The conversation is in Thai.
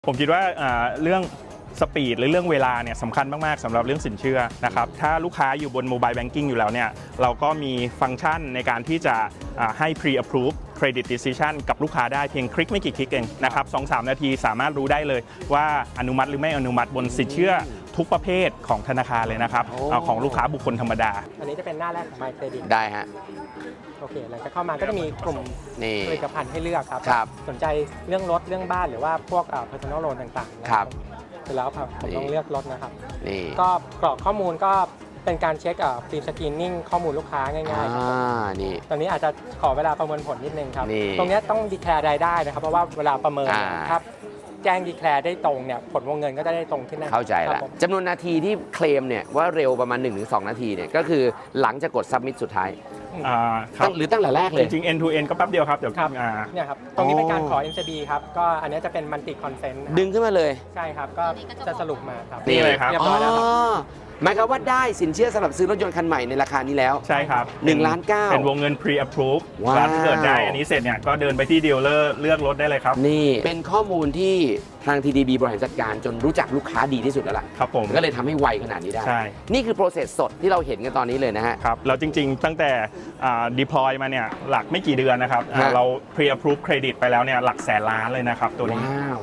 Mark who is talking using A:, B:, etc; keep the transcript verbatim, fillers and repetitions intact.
A: ผมคิดว่าเรื่องสปีดหรือเรื่องเวลาเนี่ยสำคัญมากๆสำหรับเรื่องสินเชื่อนะครับถ้าลูกค้าอยู่บนโมบายแบงกิ้งอยู่แล้วเนี่ยเราก็มีฟังก์ชันในการที่จะให้ pre-approve credit decision กับลูกค้าได้เพียงคลิกไม่กี่คลิกเองนะครับ สองถึงสาม นาทีสามารถรู้ได้เลยว่าอนุมัติหรือไม่อนุมัติบนสินเชื่อทุกประเภทของธนาคารเลยนะครับของลูกค้าบุคคลธรรมดา
B: อันนี้จะเป็นหน้าแรกของ My Credit
C: ได้ฮะ
B: โอเคหลังจากเข้ามาก็จะมีกลุ่มผลิตภัณฑ์ให้เลือกครับ
C: ครับ
B: สนใจเรื่องรถเรื่องบ้านหรือว่าพวก personal loan ต่างๆนะครับเสร็จแล้วครับผมต้องเลือกรถนะครับก็กรอกข้อมูลก็เป็นการเช็คฟรีสกรีนนิ่งข้อมูลลูกค้าง่ายๆครับตอนนี้อาจจะขอเวลาประเมินผลนิดนึงครับตรงนี้ต้องดีแคร์รายได้นะครับเพราะว่าเวลาประเมินครับแจ้งดีแคร์ได้ตรงเนี่ยผลวงเงินก็จะได้ตรงขึ้น
C: เข้าใจแล้วจำนวนนาทีที่เคลมเนี่ยว่าเร็วประมาณ หนึ่งถึงสอง นาทีเนี่ยก็คือหลังจากกด submit สุดท้ายหรือตั้งแต่แรกเลย
A: จริงๆ end to end ก็แป๊บเดียวครับเดี๋ยว
B: ครับเนี่ยครับตรงนี้เป็นการขอ เอ็น ซี บี ครับก็อันนี้จะเป็น multi consent
C: ดึงขึ้นมาเลย
B: ใช่ครับก็จะสรุปมาครับ
A: นี่เลยครับ
B: เรียบร้อยแล้วครับ
C: หมายความว่าได้สินเชื่อสำหรับซื้อรถยนต์คันใหม่ในราคานี้แล้ว
A: ใช่ครับ
C: หนึ่งล้านเก้า
A: เป็นวงเงิน pre approve ถ้าเกิดได้อันนี้เสร็จเนี่ยก็เดินไปที่ดีลเลอร์เลือกรถได้เลยครับ
C: นี่เป็นข้อมูลที่ทาง ที ดี บี บริหารจัดการจนรู้จักลูกค้าดีที่สุดแล้วล่ะ
A: ครับผม
C: ก็เลยทำให้ไวขนาดนี้ได้
A: ใช่
C: นี่คือ process สดที่เราเห็นกันตอนนี้เลยนะฮะ
A: ครับแล้วจริงๆตั้งแต่ deploy มาเนี่ยหลักไม่กี่เดือนนะครับเรา pre approve credit ไปแล้วเนี่ยหลักแสนล้านเลยนะครับตัวนี้